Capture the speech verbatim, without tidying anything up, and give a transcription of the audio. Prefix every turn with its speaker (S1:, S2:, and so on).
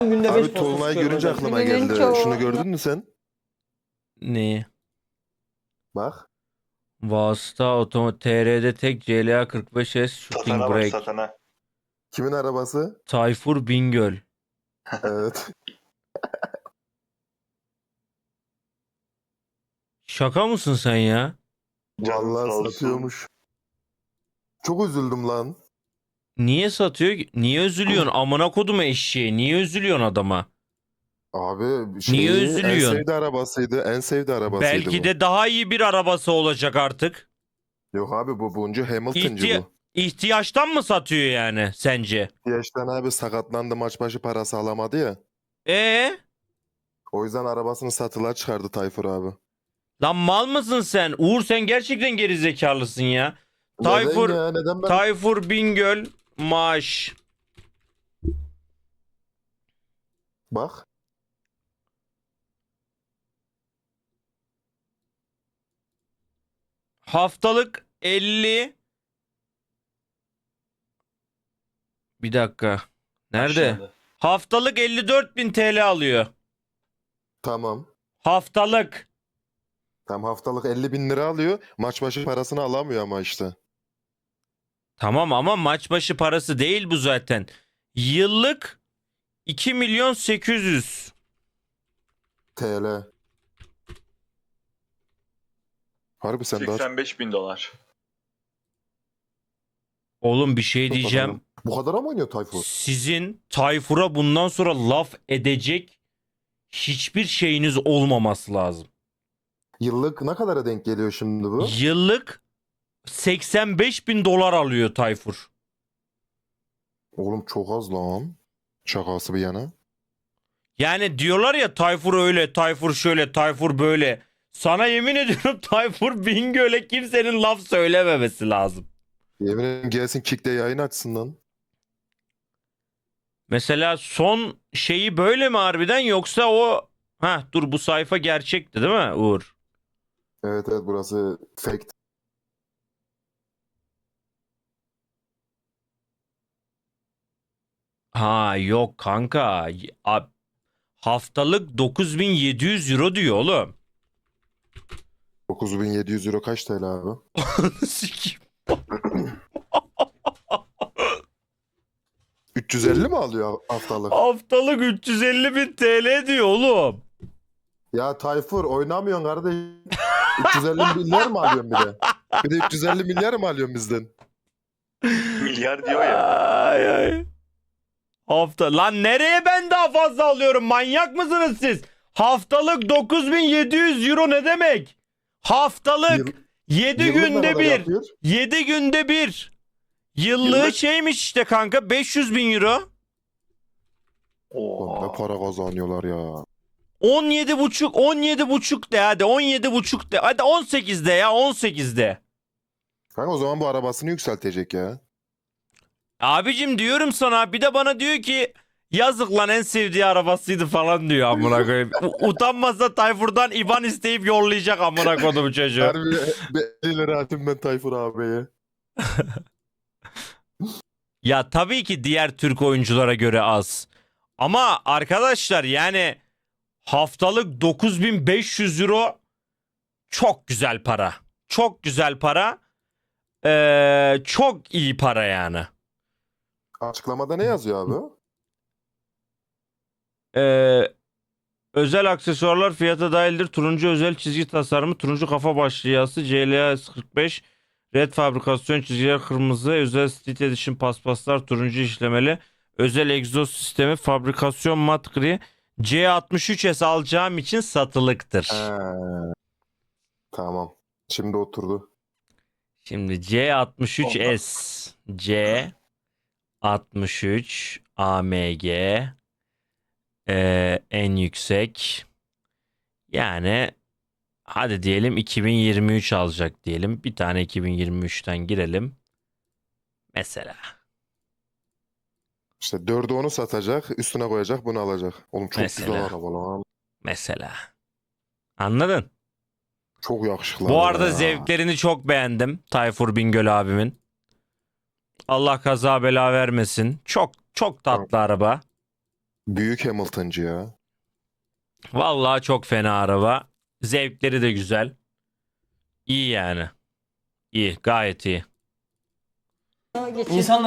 S1: Günde
S2: Abi
S1: beş posta
S2: Tolunay'ı
S1: sıkıyorum
S2: görünce
S1: hocam.
S2: aklıma
S3: Günün
S2: geldi.
S3: çoğu-
S2: Şunu gördün mü sen?
S4: Ne?
S2: Bak.
S4: Vasıta Otomo T R'de tek C L A kırk beş S Shooting
S5: Satana bak
S4: Brake.
S5: satana.
S2: Kimin arabası?
S4: Tayfur Bingöl.
S2: Evet.
S4: Şaka mısın sen ya?
S5: Canın sağ
S2: Vallahi
S5: olsun.
S2: satıyormuş. Çok üzüldüm lan.
S4: Niye satıyor ki? Niye üzülüyorsun? Amına kodum eşeği. Niye üzülüyorsun adama?
S2: Abi şeyi,
S4: Niye
S2: en
S4: üzülüyorsun?
S2: sevdiği arabasıydı. En sevdiği arabasıydı
S4: Belki
S2: bu.
S4: de daha iyi bir arabası olacak artık.
S2: Yok abi bu buncu Hamilton'cı
S4: İhtiya-
S2: bu.
S4: İhtiyaçtan mı satıyor yani sence?
S2: Yaştan abi sakatlandı, maç başı parası alamadı ya.
S4: Ee?
S2: O yüzden arabasını satılığa çıkardı Tayfur abi.
S4: Lan mal mısın sen? Uğur sen gerçekten gerizekalısın ya.
S2: Neden
S4: Tayfur
S2: ya? Neden ben?
S4: Tayfur Bingöl maaş.
S2: Bak.
S4: Haftalık elli. Bir dakika. Nerede?
S5: Aşağıda.
S4: Haftalık elli dört bin T L alıyor.
S2: Tamam.
S4: Haftalık.
S2: Tam haftalık elli bin lira alıyor. Maç başı parasını alamıyor ama işte.
S4: Tamam ama maç başı parası değil bu zaten. Yıllık iki milyon sekiz yüz.
S2: T L. Harbi sen daha
S5: seksen beş bin dolar.
S4: Oğlum bir şey
S2: çok
S4: diyeceğim.
S2: adamım. Bu kadar mı oynuyor Tayfur?
S4: Sizin Tayfur'a bundan sonra laf edecek hiçbir şeyiniz olmaması lazım.
S2: Yıllık ne kadara denk geliyor şimdi bu?
S4: Yıllık seksen beş bin dolar alıyor Tayfur.
S2: Oğlum çok az lan. Şakası bir yana.
S4: Yani diyorlar ya Tayfur öyle, Tayfur şöyle, Tayfur böyle. Sana yemin ediyorum Tayfur Bingöl'e kimsenin laf söylememesi lazım.
S2: Yemin ederim gelsin Kick'te yayın açsın lan.
S4: Mesela son şeyi böyle mi harbiden yoksa o... Ha dur bu sayfa gerçekti değil mi Uğur?
S2: Evet evet burası fake.
S4: Ha yok kanka. A- Haftalık dokuz bin yedi yüz euro diyor oğlum.
S2: dokuz bin yedi yüz euro kaç T L abi?
S4: Sikeyim.
S2: üç yüz elli mi alıyor haftalık?
S4: Haftalık üç yüz elli bin T L diyor oğlum.
S2: Ya Tayfur oynamıyorsun kardeşim. üç yüz elli milyar mı alıyorsun bir de? Bir de üç yüz elli milyar mı alıyorsun bizden?
S5: Milyar diyor ya.
S4: Ay, ay. Hafta lan nereye ben daha fazla alıyorum? Manyak mısınız siz? Haftalık dokuz bin yedi yüz euro ne demek? Haftalık
S2: Yıl-
S4: yedi
S2: Yıllık ne
S4: günde
S2: kadar
S4: bir.
S2: yapıyor?
S4: yedi günde bir. Yıllığı
S5: Yıllık-
S4: şeymiş işte kanka beş yüz bin euro.
S2: Lan ne
S5: Oo.
S2: para kazanıyorlar ya.
S4: on yedi buçuk on yedi buçuk de hadi on yedi buçuk de hadi on sekiz de ya on sekiz de.
S2: Kanka o zaman bu arabasını yükseltecek ya.
S4: Abicim diyorum sana bir de bana diyor ki yazık lan en sevdiği arabasıydı falan diyor amına koyayım. U- Utanmazsa Tayfur'dan IBAN isteyip yollayacak amına koydum çocuğu.
S2: Harbi bir elli lira atayım ben Tayfur abiye.
S4: Ya tabii ki diğer Türk oyunculara göre az. Ama arkadaşlar yani haftalık dokuz bin beş yüz euro çok güzel para. Çok güzel para. Ee, çok iyi para yani.
S2: Açıklamada ne yazıyor abi?
S4: Ee, özel aksesuarlar fiyata dahildir. Turuncu özel çizgi tasarımı, turuncu kafa başlıyası, C L A S kırk beş, red fabrikasyon çizgiler kırmızı, özel Street Edition paspaslar turuncu işlemeli, özel egzoz sistemi, fabrikasyon mat gri, C altmış üç S alacağım için satılıktır.
S2: He. Tamam. Şimdi oturdu.
S4: Şimdi C altmış üç S, C altmış üç A M G ee, en yüksek. Yani hadi diyelim iki bin yirmi üç alacak diyelim. Bir tane iki bin yirmi üçten girelim. Mesela.
S2: İşte dördü onu satacak, üstüne koyacak, bunu alacak. Oğlum çok
S4: Mesela.
S2: güzel araba lan.
S4: Mesela. Anladın?
S2: Çok yakışıklı
S4: Bu
S2: araba
S4: arada
S2: ya.
S4: zevklerini çok beğendim. Tayfur Bingöl abimin. Allah kaza bela vermesin. Çok çok tatlı araba.
S2: Büyük Hamilton'cı ya.
S4: Vallahi çok fena araba. Zevkleri de güzel. İyi yani. İyi, gayet iyi.
S1: İnsanlar